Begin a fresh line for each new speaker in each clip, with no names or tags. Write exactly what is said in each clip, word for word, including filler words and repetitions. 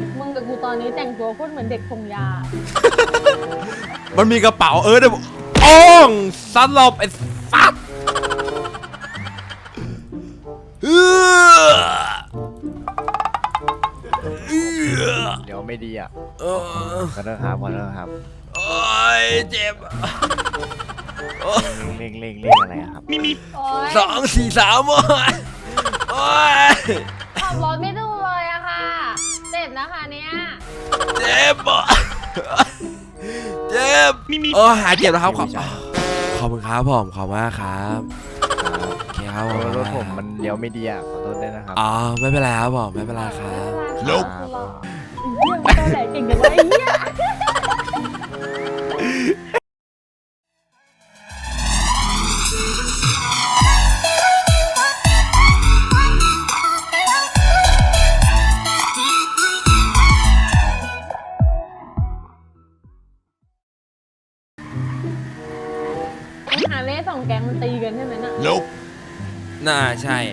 มึงกับกูตอนนี้แต่งตัวโคตรเหมือนเด็กส่งยา
มันมีกระเป๋าเออเดี๋ยวโอ้งสลบไอ้สัตว์เออเออ
เดี๋ยวไม่ดีอ่ะ
เออ
ขอโทษครับขอโทษครับ
โอ้ยเจ็บโอ้ย
เร่งเร่งเร่งอะไรอะครับ
โอ๊ย
สองสี่สามโอ้ยโอ้ย
ขับรถไม่ดูเลยอะค่ะเจ็บนะคะเนี่ย
เจ็บอ่ะเจ็บโอ้ยหายเจ็บแล้วครับขอบขอบคุณครับผมขอบมากครับโอเคครับผม
รถผมมันเลี้ยวไม่ดีอ่ะขอโทษด้วยนะครับ
อ๋อไม่เป็นไรครับผมไม่เป็นไรครับ
ลบเรื่องตอนไหนเก่งจังวะไอ้เหี้ยหาเล่สองแก๊งมันตีกันใช่ไหมน่ะ
Nope น่าใช่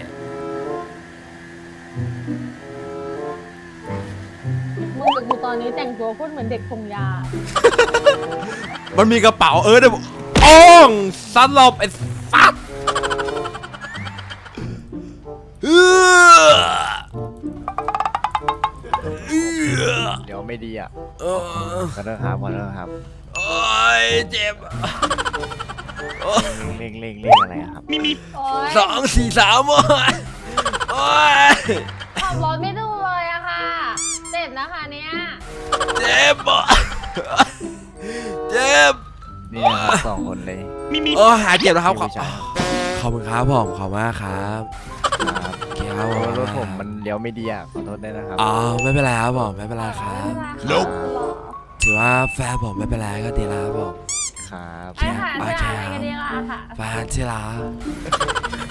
มึงกับกูตอนนี้แต่งตัวโคตรเหมือนเด็กส่งยา
มันมีกระเป๋าเออเดี๋ยวโอ้งสลบไอ้สัตว์เออเออ
เดี๋ยวไม่ดีอ่ะ
เออ
ขอโทษครับขอโทษครับ
โอ้ยเจ็บโอ้ย
เร่งเร่งเร่งอะไรอะครับ
โอ๊ย
สองสี่สามโอ้ยโอ้ย
ขับรถไม่ดูเลยอะค่ะเจ็บนะคะเนี่ย
เจ็บอ่ะเจ็บ
นี่นะครับสองคนเลย
โอ้ยหายเจ็บแล้วครับขอบ
พี่ชาย
ขอบคุณครับผมขอบมากครับ
ครับ
โอเคครับผม
รถผมมันเลี้ยวไม่ดีอ่ะขอโทษด้วยนะครับ
อ๋อไม่เป็นไรครับผมไม่เป็นไรครับ
ลบ
ถือว่าแฟนผมไม่เป็นไรก็ดีแล้วครับผม
ครับ
ไอ้ค่ะจะอะไรกันดีล่ะค่ะ
แฟนที่รัก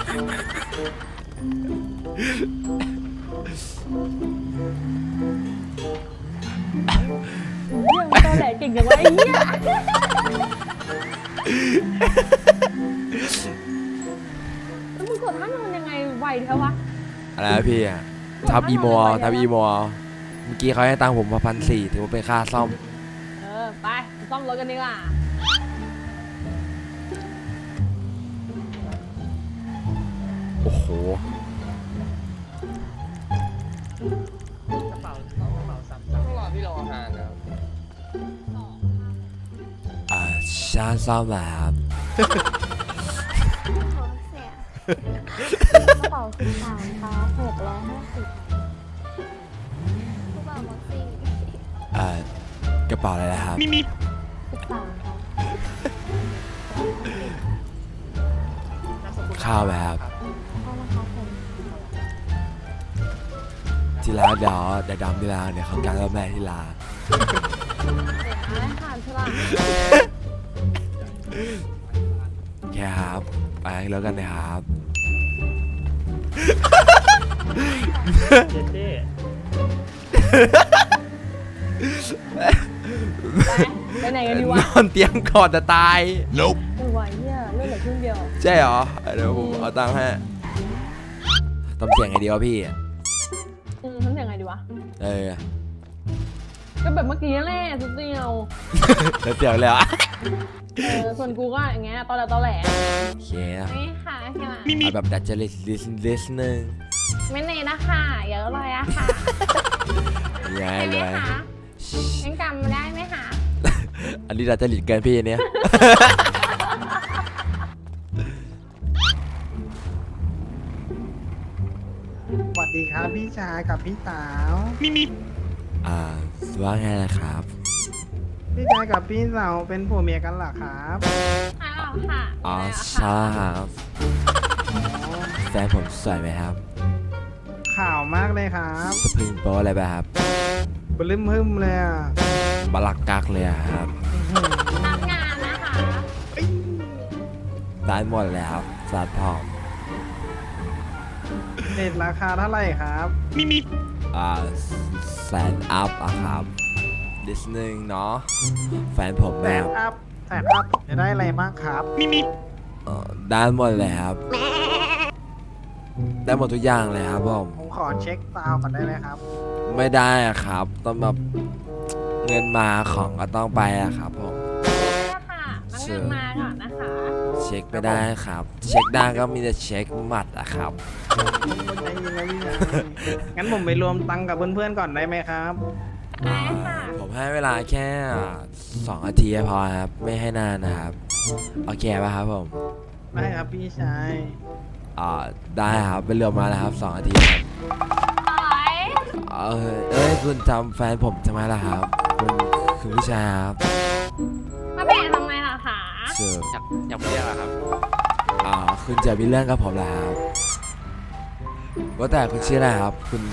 เรื่องตอนไหนเก่งจังวะไอ้เหี้ยแล้วมึงกดท่านอนยังไงไวเท่าวะ
อะไรนะพี่อ่ะทับอีโมทับอีโมเมื่อกี้เขาให้ตังค์ผมมาพันสี่ถือว่าเป็นค่าซ่อม
เออไปซ่อมรถกันดีกว่า
โอ้โห
ต้องรอพี่รออาหารนะครับ
อ่าชาซ่อมนะครับ
กระเป๋าสิบสามค่ะหกร้อยห้าสิบกระเป๋าม็อกซี่
อ่ากระเป๋าอะไรนะครับ
สิบสามค่ะ
ข้าวไหมครับ
เข้ามาครับผม
ที่ร้านเดี๋ยวเดี๋ยวดำที่ร้านเดี๋ยวเขาการรับแม่ที่ร้าน
อะไรค่ะฉลาด
แค่ครับไปแล้วกันนะครับ
ไปไปไหนกันดีวะ
นอนเตียงก่อนจะตาย Nope
ไม่ไหวเนี่ยเรื่องเหลือครึ่งเดียว
ใช่เหรอเดี๋ยวผมเอาตังค์ให้ทำเสียงไงดีวะพี่
อืมทำเสียงไงดีวะ
เออ
ก็แบบเมื่อกี้แหละสุดเดียว
แล้วเสียงเลยเหรอ่ะ
เออส่วนกูก็อย่างเงี้ยตอนแหลตอนแหล
โอเคนะ
ไม่ค่ะค่ะ
เอาแบบดัจจริตลิสลิสนึง
ไม่เนนะค่ะเยอะเลยอะค่ะ
ยังไง
ใช่ไหม
เลย
คะยังจำได้ไหมคะ
อันนี้ดัจจริตเกินพี่อันเนี้ย
สวัสดีครับพี่ชายกับพี่สาว
อ่าว่าไงนะครับ
พี่ชายกับพี่สาวเป็นผัวเมียกันเหรอครับ
อ้าวค่ะ
อ๋อ
แล้ว
ใช่
ค่ะ
ครับ
อ๋อ
แฟนผมสวยไหมครับ
ข่าวมากเลยครับ
สปริงโปอะไรแบบครับ
บลืมฮึมเลยอ่ะ
บลักกักเลยอะครับ
ทำงานนะคะ
ได้หมดแล้วสาดผอม
เด็ดราคาเท่าไหร่ครับ
อ่าแสนอัพอะครับดิสนึงเนาะแฟนผม
แส
แบ
น
บ
อัพแสนอัพจะได้อะไรบ้างครับ
เอ่อได้หมดเลยครับได้หมดทุกอย่างเลยครับผม
ผมขอเช็คซาวด์ก่อนได้ไหมครับ
ไม่ได้อะครับต้องแบบเงินมาของก็ต้องไปอะครับผม
ได้ค่ะน้ำเงินมาก่อนนะคะ
เช็คไม่ได้ครับ เช็คได้ก็มีแต่เช็คหมัดอะครับ
ใจเย็นนะพี่ชายงั้นผมไปรวมตังค์กับเพื่อนๆก่อนได้ไหมครับ
ได้ค่ะ
ผมให้เวลาแค่สองนาทีพอครับ ไม่ให้นานนะครับโอเคป่ะครับผม
ได้ครับพี่ชาย
อ่าได้ครับไปเรือมาแล้วครับสองนาทีครับ
ต่อย
เออเอ้ยคุณจำแฟนผมทำไมล่ะครับคุณคือผู้ชายครับ
มาเปลี่ยนทำไมล่ะคะ
เชื่อ
อยากอยากเรียกอะครับ
อ่าคุณจะมีเรื่องกับผมแล้วครับว่าแต่คุณชื่ออะไรครับ คุณ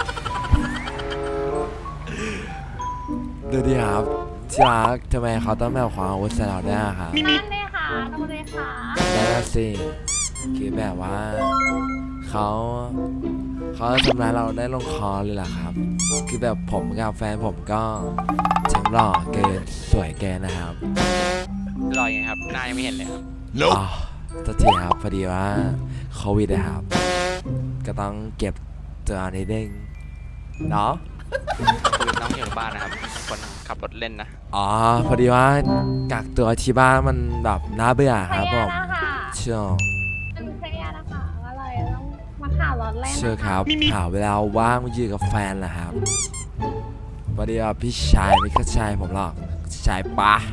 ดูดิครับที่รักทำไมเขาต้องแบบความอาวุธใส่เราได้อะครับ
นั่นเลยค่ะดูเลยค่ะ
นั่นนะสิคือแบบว่าเขาเขาทำร้ายเราได้ลงคอเลยล่ะครับ คือแบบผมกับแฟนผมก็ทั้งหล่อเกินสวยเกินนะครับ
รอยังไงครับ หน้ายังไม่เห็นเลยครับ
อ๋อตัวทีครับพอดีว่าโควิดนะครับ ก็ต้องเก็บตัวนิดนึงเนาะ
คุยน้องอยู่บ้านนะครับ คนขับรถเล่นนะ
อ๋อพอดีว่ากักตัวที่บ้านมันแบบน่าเบื่อ
เค
ครับ
ลี
ผ
ยร์
ม
นะคะ
เชื่อ
มันเคลียร์นะคะก็เลยต้องมาข่าวรถเล่น
เชื่อ
นะ
ค
คะ
รับหาเวลาว่างมาอยู่กับแฟนแหละครับพอดีว่าพี่ชายไม่เข้าใจผมหรอกชายปะ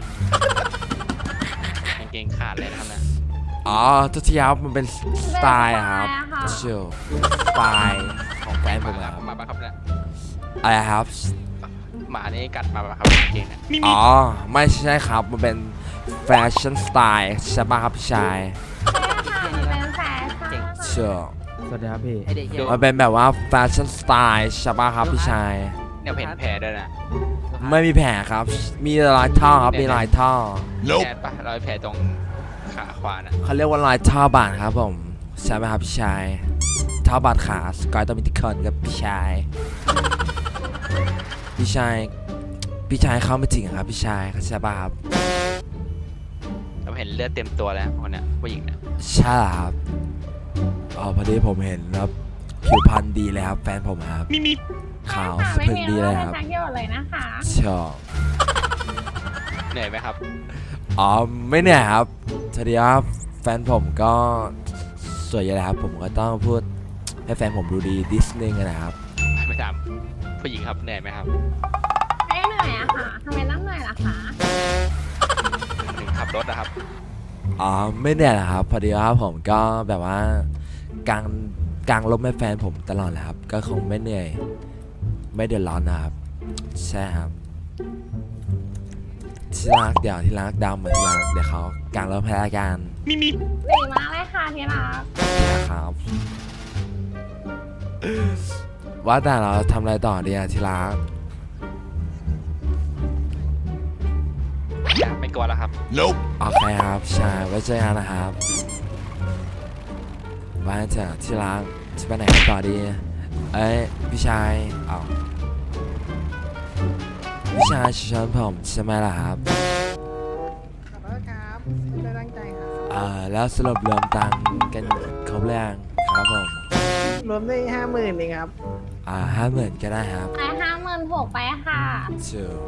กางเกงขาดเลยนะครับนะ
อ๋อทุกทีครับมันเป็นสไตล์อะครับ
เป็นสไตล์อะค่ะ
เชื่อสไตล์ของแฟนผม
มา
อะครับ
มาปะครับเนี่ย
อะไรครับ
หมานี่กัดมาปะครับกางเกงเนี่ย
อ๋อ ไม่ใช่ครับ มันเป็นแฟชั่นสไตล์ใช่ป่ะครับพี่ชาย
ใช่ค่ะมันเป็นแฟชั่นค่ะ
เชื่อ
สวัสดีครับพี่
มันเป็นแบบว่าแฟชั่นสไตล์ใช่ป่ะครับพี่ชาย
เนี่ยเห็นแผลด้วยนะ
ไม่มีแผลครับ มีรอยท่อครับ มีรอยท่อ
แผลปะรอยแผลตรงขาขวานะ
เขาเรียกว่ารอยท่อบาดครับผม ใช่ไหมครับพี่ชาย ท่อบาดขาสกอยต้องมีที่คนกับพี่ชาย พี่ชาย พี่ชายเข้าไม่จริงอะครับพี่ชายเข้าใจป่ะครับ
เราเห็นเลือดเต็มตัวแล้วคนเนี้ยผู้หญิงเนี่ย
ใช่เหรอครับอ๋อพอดีผมเห็นแล้วผิวพรรณดีเลยครับ แฟนผมครับขาวสะ
ไม่
พรึง
มี
ดี
เรื่
เล
อง
ย
เป็
คน รับ
ทางเกี่ยวเลยนะคะ
ชอบ
เหนื่อยไหมครับ
อ๋อไม่เนี่ยครับทีนี้ว่าแฟนผมก็สวยอยู่แล้วครับ ผมก็ต้องพูดให้แฟนผมดูดีดิสนึงนะครับ
ไม่ถามผู้หญิงครับเหนื่อยไหมครับ
ไม่เหนื่อยอะค่ะทำไมต้องเหนื่อยล่ะคะ
ถึงขับรถนะครับ
อ๋อไม่เนี่ยแหละครับ พอดีว่าผมก็แบบว่ากางกางลมให้แฟนผมตลอดแหละครับ ก็คงไม่เหนื่อย ไม่เดือดร้อนนะครับ ใช่ครับที่รักเดี๋ยวที่รักดำเหมือนที่รักเดี๋ยวเขากางลมให้ละกัน
ดีมากเลยค่ะที่รัก
นะครับ ว่าแต่เราทำอะไรต่อดีอะที่รัก
ไม่กลัวแล้วครับ
โอเคครับใช่ไว้เจอกันนะครับว่าจะที่รักจะไปไหนกันต่อดี เอ้ยพี่ชายอ้าวพี่ชายชวนผมใช่ไหมล่ะครับ
ขอโทษครับไม่ได้ตั้งใจครับ
เอ่อแล้วสรุปรวมตังค์กันครบหรือยังครับผม
รวมได้ห้าหมื่นเองครับ
อ่าห้าหมื่นก็ได้ครับ
ไปห้าหมื่นหกไปค่ะ
ถือ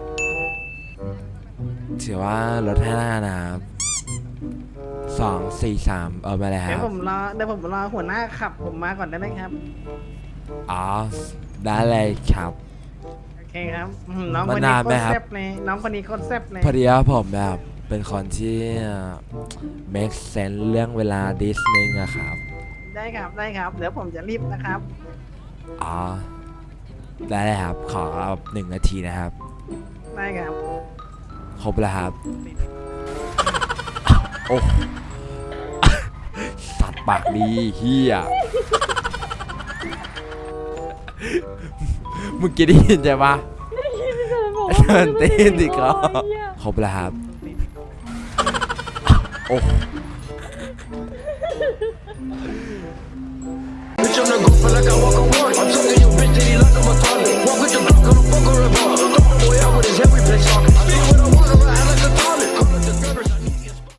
ถือว่าลดให้ได้นะครับสองสี่สามเอาไปเลยค
เดี๋ย
รั
ว
บ
ผมรอเดี๋ยวผมรอหัวหน้าขับผมมาก่อนได้ไหมครับ
อ๋อได้เลยครับ
โอเคครับอืมน้องคน
มาน
นี้
นาน
โค
ไหม
ตร
ครับ
แซ่บเลยน้องคนนี้โคตรแซ่บเลย
พอดีว่าผมแบบเป็นคนที่ make sense เรื่องเวลาดิสนึงอะครับ
ได้ครับได้ครับเดี๋ยวผมจะรีบนะครับ
อ๋อ ได้เลยครับ ขอหนึ่งนาทีนะครับ
ได้ครับ
ครบแล้วครับ โอ้ สัตว์ปากดีเฮียมึงกินได้ยินใช่ปะเดินตีนดิก็ครบแล้วครับ โอ้